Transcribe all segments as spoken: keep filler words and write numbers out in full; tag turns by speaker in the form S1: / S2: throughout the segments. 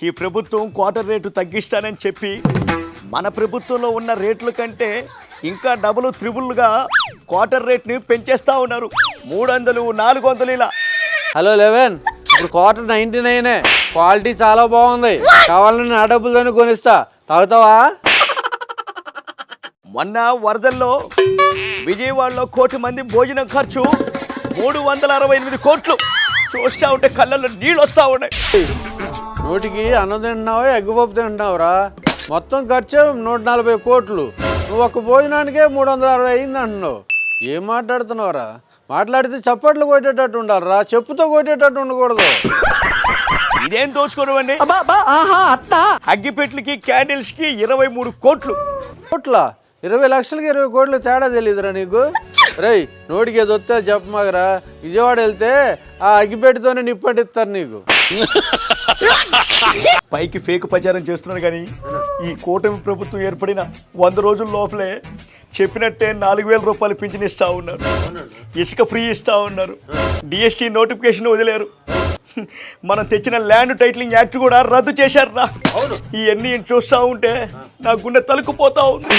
S1: ఈ ప్రభుత్వం quarter rate తగ్గిస్తానని చెప్పి మన ప్రభుత్వంలో ఉన్న రేట్ల కంటే ఇంకా డబుల్ త్రిబుల్గా క్వార్టర్ రేట్ని పెంచేస్తూ ఉన్నారు. మూడు వందలు నాలుగు వందలు ఇలా.
S2: హలో లెవెన్, ఇప్పుడు క్వార్టర్ నైంటీ నైనే, క్వాలిటీ చాలా బాగుంది. కావాలని నా డబ్బులతోనే కొనిస్తా, తాగుతావా?
S1: మొన్న వరదల్లో విజయవాడలో కోటి మంది భోజనం ఖర్చు మూడు వందల అరవై ఎనిమిది కోట్లు. చూస్తా ఉంటే కళ్ళల్లో నీళ్ళు వస్తూ ఉన్నాయి.
S2: నోటికి అన్నం తింటున్నావా, ఎగ్గుపప్పు తింటున్నావురా? మొత్తం ఖర్చు నూట నలభై కోట్లు. నువ్వు ఒక్క భోజనానికే మూడు వందల అరవై అయింది అంటున్నావు. ఏం మాట్లాడుతున్నావురా? మాట్లాడితే చప్పట్లు కొట్టేటట్టు ఉండాలిరా, చెప్పుతో కొట్టేటట్టు ఉండకూడదు.
S1: ఇదేం దోచుకోవడం అండి? అగ్గిపెట్లకి క్యాండిల్స్ కి ఇరవై మూడు కోట్లు.
S2: కోట్ల ఇరవై లక్షలకి ఇరవై కోట్లు తేడా తెలియదురా నీకు? రేయ్, నోటికి ఏదో వస్తే చెప్పమాగరా. విజయవాడ వెళ్తే ఆ అగ్గిపెట్టితోనే నిప్పటిస్తారు నీకు.
S1: పైకి ఫేక్ ప్రచారం చేస్తున్నారు కానీ ఈ కూటమి ప్రభుత్వం ఏర్పడిన వంద రోజుల లోపలే చెప్పినట్టే నాలుగు వేల రూపాయలు పింఛన్ ఇస్తా ఉన్నారు. ఇసుక ఫ్రీ ఇస్తా ఉన్నారు. డిఎస్టీ నోటిఫికేషన్ వదిలేరు. మనం తెచ్చిన ల్యాండ్ టైటిలింగ్ యాక్ట్ కూడా రద్దు చేశారు రా. ఇవన్నీ చూస్తా ఉంటే నా గుండె తలుకుపోతా ఉంది.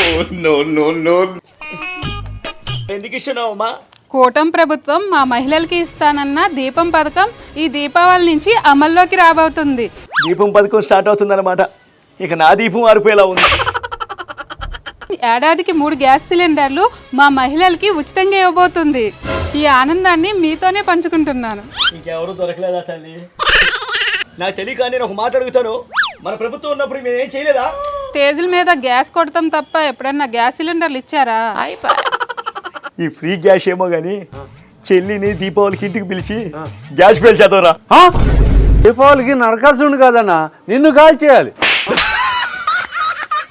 S1: ఎందుకు ఇస్తున్నావమ్మా?
S3: కూటమి ప్రభుత్వం మా మహిళలకి ఇస్తానన్న దీపం పథకం ఈ దీపావళి నుంచి అమల్లోకి రాబోతుంది.
S1: దీపం పథకం స్టార్ట్ అవుతుంది అన్నమాట. ఇక నా దీపం ఆరిపోయేలా ఉంది.
S3: ఏడాదికి మూడు గ్యాస్ సిలిండర్లు మా మహిళలకి ఉచితంగా ఇవ్వబోతుంది. ఈ ఆనందాన్ని మీతోనే పంచుకుంటున్నాను.
S1: ఇంకెవరు దొరకలేదా తల్లి? నాకు తెలియక నేను ఒక మాట అడుగుతాను, మన ప్రభుత్వం ఉన్నప్పుడు మేము ఏం చేయలేదా?
S3: స్టేజ్ల మీద గ్యాస్ కొడతాం తప్ప ఎప్పుడన్నా గ్యాస్ సిలిండర్లు ఇచ్చారా?
S1: ఈ ఫ్రీ గ్యాస్ ఏమో కానీ చెల్లిని దీపావళికి ఇంటికి పిలిచి గ్యాస్ పేల్చేద్దాంరా.
S2: దీపావళికి నరకాసుడు కాదన్నా, నిన్ను కాల్ చేయాలి.